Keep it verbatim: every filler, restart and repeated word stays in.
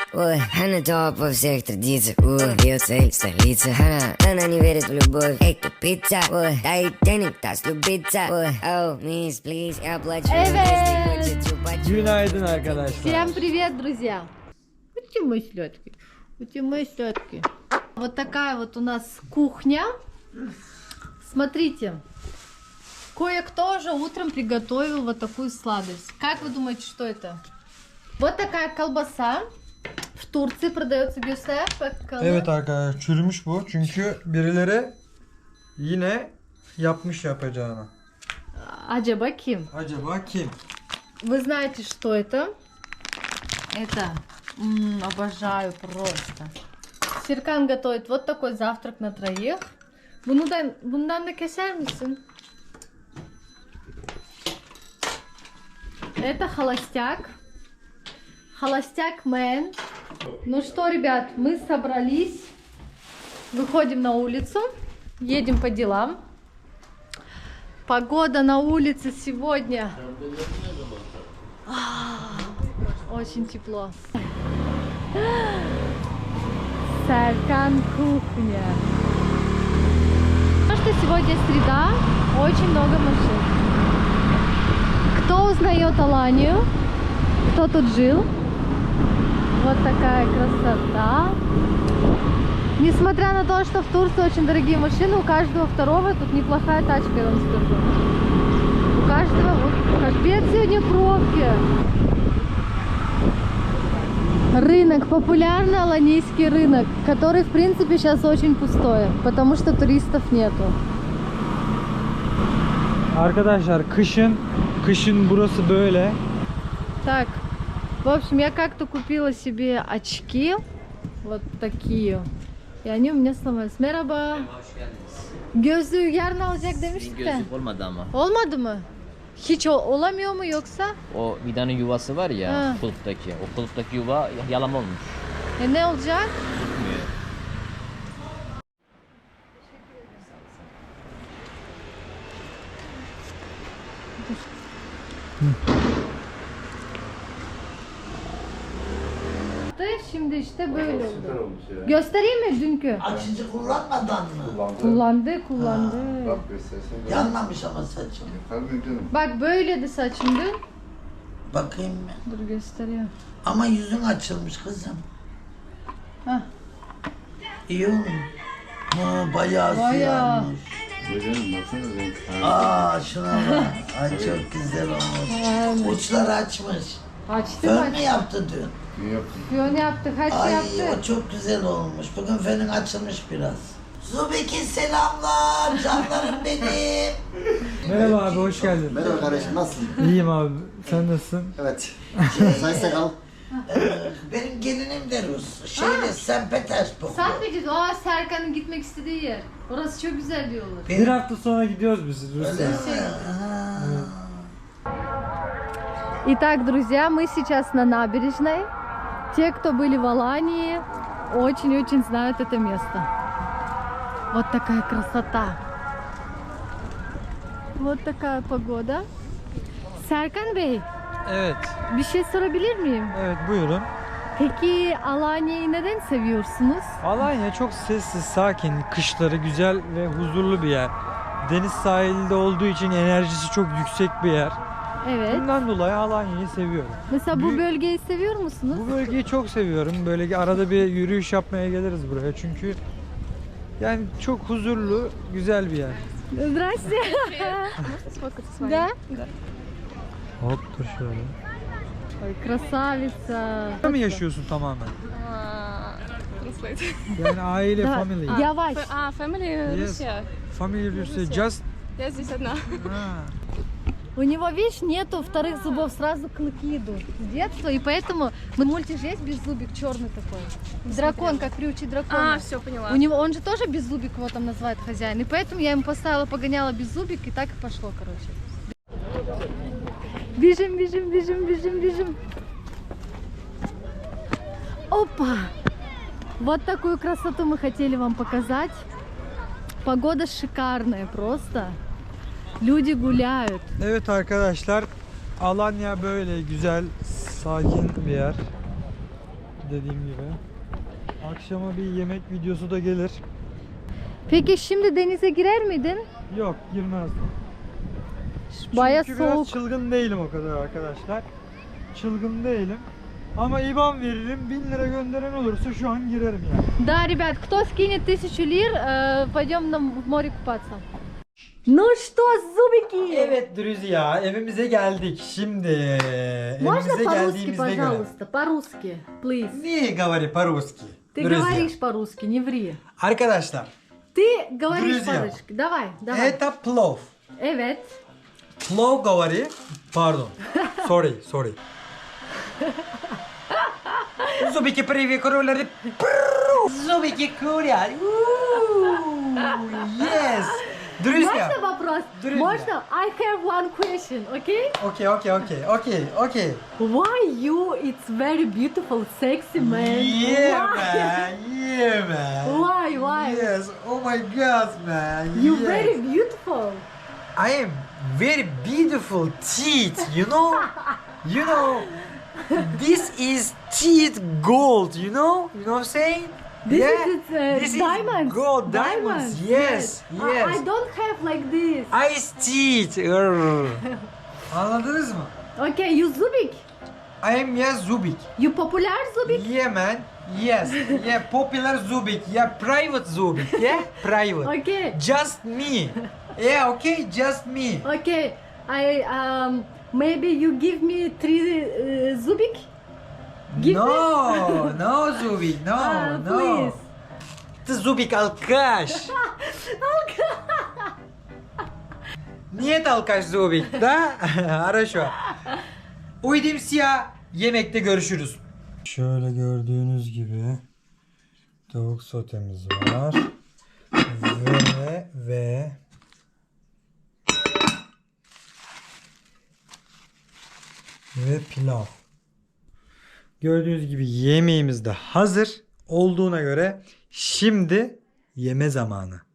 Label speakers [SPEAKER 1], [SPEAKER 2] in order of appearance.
[SPEAKER 1] Ой, она топ во всех традициях. Ой, ее цель столица. Она, она не верит в любовь. Эй, тупица. Ой, дай денег, даст любиться. Ой, oh, miss, please, я плачу.
[SPEAKER 2] Evet.
[SPEAKER 3] Günaydın arkadaşlar.
[SPEAKER 2] Всем привет, друзья! Ути мои сладкие, ути мои сладкие. Вот такая вот у нас кухня. Смотрите, кое-кто уже утром приготовил вот такую сладость. Как вы думаете, что это? Вот такая колбаса. В Турции продается göster. Bakalım.
[SPEAKER 3] Evet arkadaşlar, çürümüş bu çünkü birileri yine yapmış yapacağını.
[SPEAKER 2] Acaba kim?
[SPEAKER 3] Acaba kim?
[SPEAKER 2] Вы знаете, что это? Это, м-м, обожаю просто. Серкан готовит вот такой завтрак на троих. Bundan, bundan da keser misin? Это холостяк. Холостяк мэн. Ну что, ребят, мы собрались. Выходим на улицу. Едем по делам. Погода на улице сегодня. Очень тепло. Серкан кухня. Потому что сегодня среда, очень много машин. Кто узнает Аланию? Кто тут жил? Вот такая красота. Несмотря на то, что в Турции очень дорогие машины, у каждого второго тут неплохая тачка, я вам скажу. У каждого, вот, капец сегодня пробки. Рынок, популярный аланийский рынок, который в принципе сейчас очень пустой, потому что туристов нету.
[SPEAKER 3] Arkadaşlar kışın kışın burası böyle.
[SPEAKER 2] Так, в общем, я как-то купила себе очки, вот такие, и они у меня сломались. Merhaba. Gözlüğü yarın alacak demiştik de.
[SPEAKER 4] Gözlük olmadı ama.
[SPEAKER 2] Olmadı mı? Hiç o- olamıyor mu yoksa?
[SPEAKER 4] O vidanın yuvası var ya,
[SPEAKER 2] Ha.
[SPEAKER 4] kulüpteki. O kulüpteki yuva yalama olmuş.
[SPEAKER 2] E ne olacak?
[SPEAKER 4] Tutmuyor.
[SPEAKER 2] Şimdi işte böyle oldu. Göstereyim mi dünkü?
[SPEAKER 5] Açıcı kullanmadan mı?
[SPEAKER 2] Kullandı, kullandı.
[SPEAKER 5] Yanmamış ama saçım.
[SPEAKER 2] Bak böyleydi saçım dün.
[SPEAKER 5] Bakayım mı?
[SPEAKER 2] Dur gösteriyor.
[SPEAKER 5] Ama yüzün açılmış kızım.
[SPEAKER 2] Hah.
[SPEAKER 5] İyi olmuş. Ha, bayağı
[SPEAKER 2] Bayağı.
[SPEAKER 5] siyahmış. Aa şuna bak. Ay çok güzel olmuş. Uçları açmış.
[SPEAKER 2] Açtık
[SPEAKER 5] Fön mü
[SPEAKER 2] açtık.
[SPEAKER 5] yaptı dün?
[SPEAKER 2] Piyon yaptık, her şey
[SPEAKER 5] Ay
[SPEAKER 2] yaptık.
[SPEAKER 5] o çok güzel olmuş. Bugün fönün açılmış biraz. Zubeki selamlar. Canlarım benim.
[SPEAKER 3] Merhaba abi, hoş geldin.
[SPEAKER 6] Merhaba kardeşim, nasılsın?
[SPEAKER 3] İyiyim abi, sen nasılsın?
[SPEAKER 6] Evet. Sayın Sakal.
[SPEAKER 5] Ee, benim gelinim de Rus. Şeyde Saint Petersburg.
[SPEAKER 2] Sen mi diyorsun? Aa Serkan'ın gitmek istediği yer. Orası çok güzel diyorlar.
[SPEAKER 3] Bir hafta sonra gidiyoruz biz Rusya'ya.
[SPEAKER 2] Итак, друзья, мы сейчас на набережной. Те, кто были в Алании, очень-очень знают это место. Вот такая красота. Вот такая погода. Serkan Bey,
[SPEAKER 3] Evet,
[SPEAKER 2] bir şey sorabilir miyim?
[SPEAKER 3] evet buyurun.
[SPEAKER 2] Peki Alanya'yı neden seviyorsunuz?
[SPEAKER 3] Alanya çok sessiz, sakin, kışları güzel ve huzurlu bir yer. Deniz sahilde olduğu için enerjisi çok yüksek bir yer.
[SPEAKER 2] Evet.
[SPEAKER 3] Bundan dolayı Alanya'yı seviyorum.
[SPEAKER 2] Mesela bu
[SPEAKER 3] Bir-
[SPEAKER 2] bölgeyi seviyor musunuz?
[SPEAKER 3] Bu bölgeyi çok seviyorum. Böyle arada bir yürüyüş yapmaya geliriz buraya çünkü yani çok huzurlu, güzel bir yer.
[SPEAKER 2] Здрасте. Да?
[SPEAKER 3] Hop dur şöyle.
[SPEAKER 2] Ой, красавица.
[SPEAKER 3] Burada mı yaşıyorsun tamamen? Yani aile,
[SPEAKER 2] Да,
[SPEAKER 3] family.
[SPEAKER 2] Yavaş.
[SPEAKER 7] А, family
[SPEAKER 3] Yes.
[SPEAKER 7] Russia.
[SPEAKER 3] Family Rusya, just...
[SPEAKER 7] Я здесь одна.
[SPEAKER 3] Ha.
[SPEAKER 2] У него, видишь, нету вторых зубов, сразу клыки идут с детства, и поэтому мы мультик же есть беззубик, черный такой. Дракон, как приучить дракона.
[SPEAKER 7] А, все, поняла.
[SPEAKER 2] У него, он же тоже беззубик, его там называет хозяин, и поэтому я ему поставила, погоняла беззубик, и так и пошло, короче. Бежим, бежим, бежим, бежим, бежим. Опа! Вот такую красоту мы хотели вам показать. Погода шикарная просто. Люди гуляют.
[SPEAKER 3] Evet arkadaşlar, Alanya böyle güzel, sakin bir yer. dediğim gibi. Akşama bir yemek videosu da gelir.
[SPEAKER 2] Peki şimdi denize girer miydin?
[SPEAKER 3] Yok, girmezdim.
[SPEAKER 2] Baya
[SPEAKER 3] Çünkü biraz
[SPEAKER 2] soğuk.
[SPEAKER 3] çılgın değilim o kadar arkadaşlar. Çılgın değilim. Ama IBAN veririm. bin lira gönderen olursa şu an girerim yani.
[SPEAKER 2] Да, ребят, кто скинет тысячу лир, э, пойдем на в море купаться. Ну что, зубики?
[SPEAKER 3] Evet Druzya, evimize geldik. Şimdi
[SPEAKER 2] Можно
[SPEAKER 3] evimize
[SPEAKER 2] по-русски,
[SPEAKER 3] geldiğimizde göre.
[SPEAKER 2] пожалуйста, по-русски, please.
[SPEAKER 3] Niye говори по-русски?
[SPEAKER 2] Ты
[SPEAKER 3] Druzya.
[SPEAKER 2] говоришь по-русски, не ври.
[SPEAKER 3] Arkadaşlar,
[SPEAKER 2] Ты говоришь
[SPEAKER 3] Друзья.
[SPEAKER 2] по-русски. Давай, давай.
[SPEAKER 3] это plov.
[SPEAKER 2] Evet.
[SPEAKER 3] Plov говори. Pardon. Sorry, sorry. Zubiki privi kuruları. Zubiki kurya. Yes. Druzya.
[SPEAKER 2] Можно вопрос?
[SPEAKER 3] Друзья.
[SPEAKER 2] Можно? I have one question, okay?
[SPEAKER 3] Okay, okay, okay, okay, okay.
[SPEAKER 2] Why you? It's very beautiful, sexy man.
[SPEAKER 3] Yeah,
[SPEAKER 2] Why?
[SPEAKER 3] man. Yeah, man.
[SPEAKER 2] Why? Why?
[SPEAKER 3] Yes. Oh my God, man.
[SPEAKER 2] You
[SPEAKER 3] yes.
[SPEAKER 2] very beautiful.
[SPEAKER 3] I am very beautiful teeth, you know? You know, this is teeth gold, you know? You know what I'm saying?
[SPEAKER 2] This
[SPEAKER 3] yeah?
[SPEAKER 2] is uh,
[SPEAKER 3] this
[SPEAKER 2] diamonds.
[SPEAKER 3] is gold diamonds. Yes,
[SPEAKER 2] I-
[SPEAKER 3] yes.
[SPEAKER 2] I, don't have like this.
[SPEAKER 3] Ice teeth. Arr. Anladınız mı?
[SPEAKER 2] Okay, you Zubik.
[SPEAKER 3] I am yeah Zubik.
[SPEAKER 2] You popular Zubik?
[SPEAKER 3] Yeah, man. Yes. Yeah, popular Zubik. Yeah, private Zubik. Yeah, private.
[SPEAKER 2] Okay.
[SPEAKER 3] Just me. Yeah, okay, just me.
[SPEAKER 2] Okay. I um maybe you give me three uh, Zubik. Give
[SPEAKER 3] no,
[SPEAKER 2] me.
[SPEAKER 3] no Zubik, no,
[SPEAKER 2] Ah,
[SPEAKER 3] no.
[SPEAKER 2] please.
[SPEAKER 3] Ты Zubik alkаш. Нет alkаш Zubik, da? Хорошо. Uydim siyah. Yemekte görüşürüz. Şöyle gördüğünüz gibi tavuk sotemiz var. Ve ve ve pilav. Gördüğünüz gibi yemeğimiz de hazır olduğuna göre şimdi yeme zamanı.